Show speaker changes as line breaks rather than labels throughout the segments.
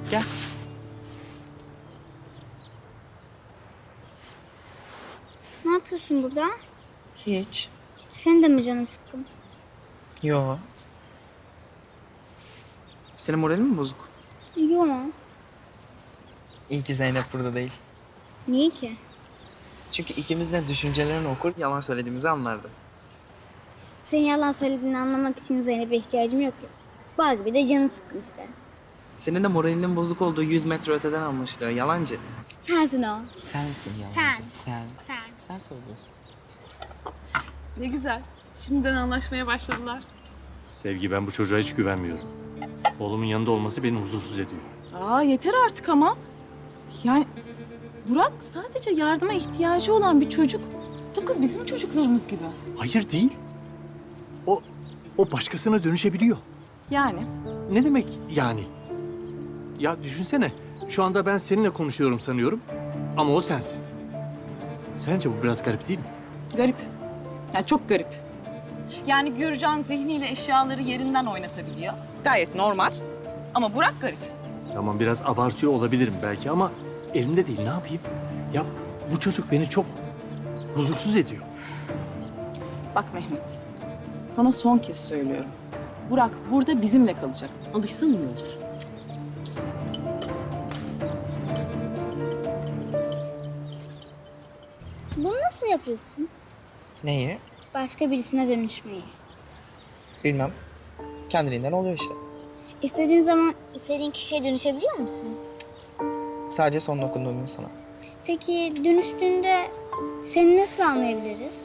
Gel.
Ne yapıyorsun burada?
Hiç.
Senin de mi canın sıkkın?
Yo. Senin moralin mi bozuk?
Yok.
İyi ki Zeynep burada değil.
Niye ki?
Çünkü ikimiz de düşüncelerini okur, yalan söylediğimizi anlardı.
Senin yalan söylediğini anlamak için Zeynep'e ihtiyacım yok ki. Bağ gibi de canın sıkkın işte.
Senin de moralinin bozuk olduğu 100 metre öteden anlaşılıyor. Yalancı.
Sensin o.
Sensin yalancı. Sen söylüyorsun.
Ne güzel. Şimdiden anlaşmaya başladılar.
Sevgi, ben bu çocuğa hiç güvenmiyorum. Oğlumun yanında olması beni huzursuz ediyor.
Aa yeter artık ama. Yani Burak sadece yardıma ihtiyacı olan bir çocuk. Tıpkı bizim çocuklarımız gibi.
Hayır değil. O başkasına dönüşebiliyor.
Yani
Ne demek yani? Ya düşünsene, şu anda ben seninle konuşuyorum sanıyorum ama o sensin. Sence bu biraz garip değil mi?
garip. Yani çok garip. Yani Gürcan zihniyle eşyaları yerinden oynatabiliyor. Gayet normal. Ama Burak garip.
Tamam, biraz abartıyor olabilirim belki ama elimde değil, ne yapayım? Ya bu çocuk beni çok huzursuz ediyor.
Bak Mehmet, sana son kez söylüyorum. Burak burada bizimle kalacak. Alışsan iyi olur.
Bunu nasıl yapıyorsun?
Neyi?
Başka birisine dönüşmeyi.
Bilmem. Kendiliğinden oluyor işte.
İstediğin zaman istediğin kişiye dönüşebiliyor musun?
Sadece son dokunduğum insana.
Peki dönüştüğünde seni nasıl anlayabiliriz?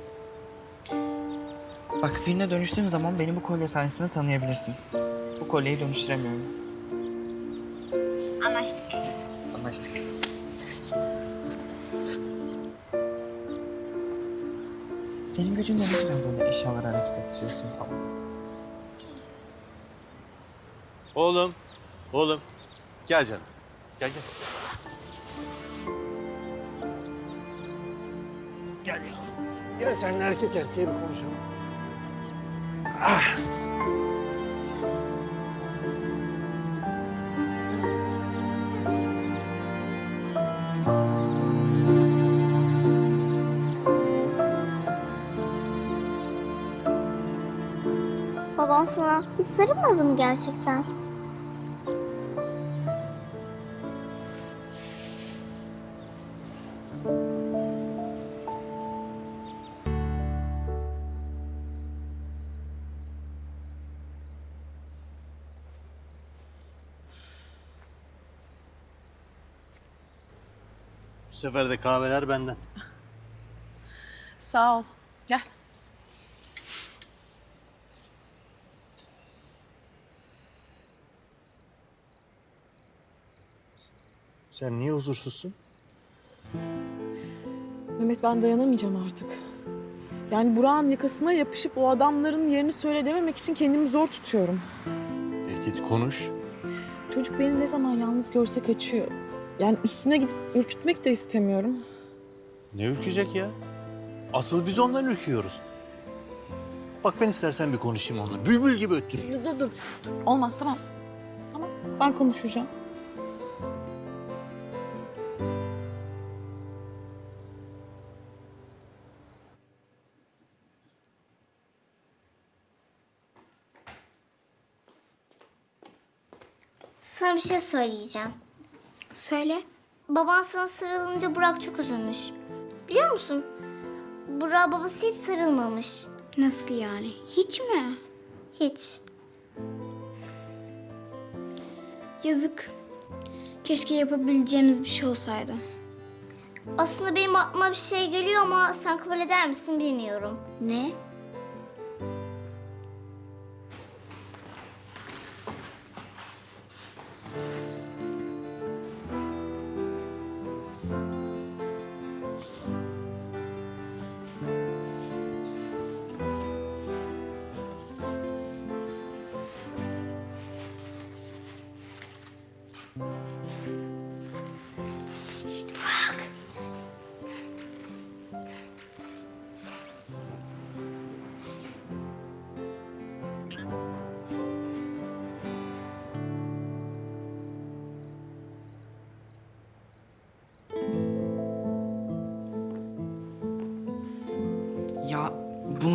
Bak, birine dönüştüğüm zaman beni bu kolye sayesinde tanıyabilirsin. Bu kolyeyi dönüştüremiyorum.
Anlaştık.
Anlaştık. Senin gücün de ne güzel, böyle eşyaları hareket ettiriyorsun falan.
Oğlum. Gel canım. Gel. Gel ya. Yine seninle erkek erkeğe bir konuşalım.
Babam sana hiç sarılmadı mı gerçekten?
Bu sefer de kahveler benden.
Sağ ol. Gel.
Sen niye huzursuzsun?
Mehmet, ben dayanamayacağım artık. Yani Burak'ın yakasına yapışıp o adamların yerini söyle dememek için kendimi zor tutuyorum.
Git konuş.
Çocuk beni ne zaman yalnız görse kaçıyor. Yani üstüne gidip ürkütmek de istemiyorum.
Ne ürkecek ya? Asıl biz ondan ürküyoruz. Bak, ben istersen bir konuşayım onunla. Bülbül gibi öttüreyim.
Dur. Olmaz, tamam. Tamam, ben konuşacağım.
Sana bir şey söyleyeceğim.
Söyle.
Baban sana sarılınca Burak çok üzülmüş. Biliyor musun? Burak'a babası hiç sarılmamış.
Nasıl yani? Hiç mi?
Hiç.
Yazık. Keşke yapabileceğimiz bir şey olsaydı.
Aslında benim aklıma bir şey geliyor ama sen kabul eder misin bilmiyorum.
Ne?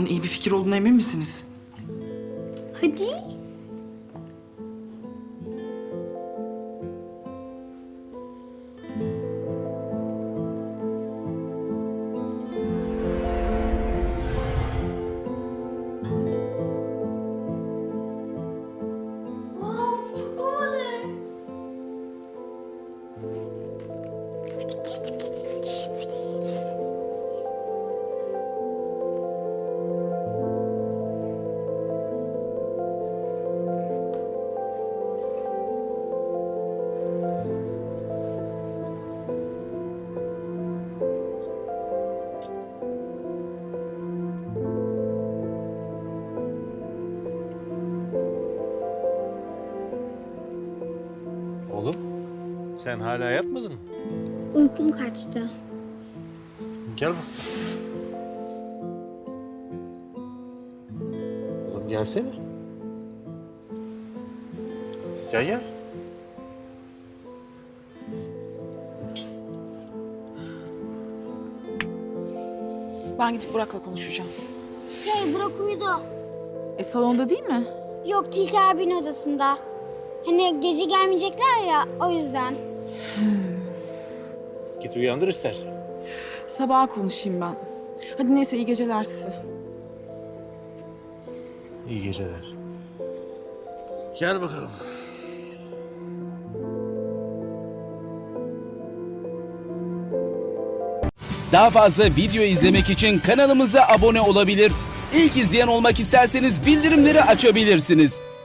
iyi bir fikir olduğuna emin misiniz?
Hadi.
Of çok havalı. Hadi git.
Oğlum, sen hala yatmadın mı?
Uykum kaçtı.
Gel bak. Oğlum gelsene. Gel.
Ben gidip Burak'la konuşacağım.
Burak uyudu.
Salonda değil mi?
Yok, Tilki abinin odasında. Hani gece gelmeyecekler ya, o yüzden.
Git uyandır istersen.
Sabaha konuşayım ben. Hadi neyse iyi geceler size.
İyi geceler. Gel bakalım.
Daha fazla video izlemek için kanalımıza abone olabilir. İlk izleyen olmak isterseniz bildirimleri açabilirsiniz.